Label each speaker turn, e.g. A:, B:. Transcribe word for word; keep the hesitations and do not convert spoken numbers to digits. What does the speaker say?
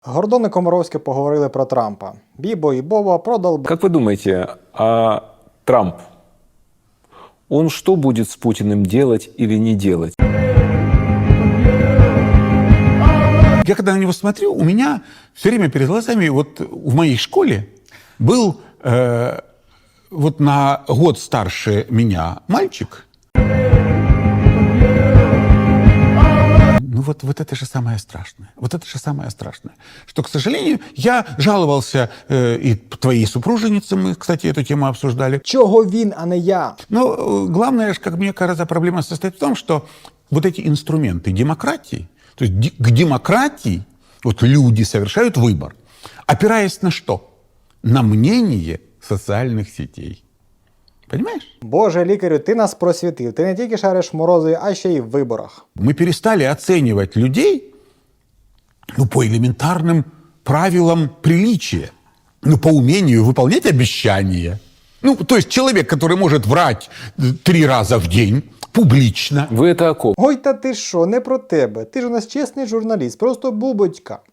A: Гордон і Комаровський поговорили про Трампа. Бібо і Боба продал...
B: Как вы думаете, а Трамп, он что будет с Путиным делать или не делать?
C: Я когда на него смотрю, у меня все время перед глазами, вот в моей школе был э, вот на год старше меня мальчик. Ну вот, вот это же самое страшное. Вот это же самое страшное. Что, к сожалению, я жаловался э, и твоей супруженице, мы, кстати, эту тему обсуждали.
A: Чого він, а не я?
C: Но э, главное, как мне кажется, проблема состоит в том, что вот эти инструменты демократии, то есть ди- к демократии вот люди совершают выбор, опираясь на что? На мнение социальных сетей. Понимаешь?
A: Боже, лікарю, ти нас просвітив. Ти не тільки шариш в морозі, а ще й в виборах.
C: Мы перестали оценивать людей ну, по элементарным правилам приличия, ну, по умению выполнять обещания. Ну, то есть человек, который может врать три раза в день публично.
B: Вы это о ком?
A: Ой, та ти що, не про тебе. Ти ж у нас чесний журналіст, просто бубочка.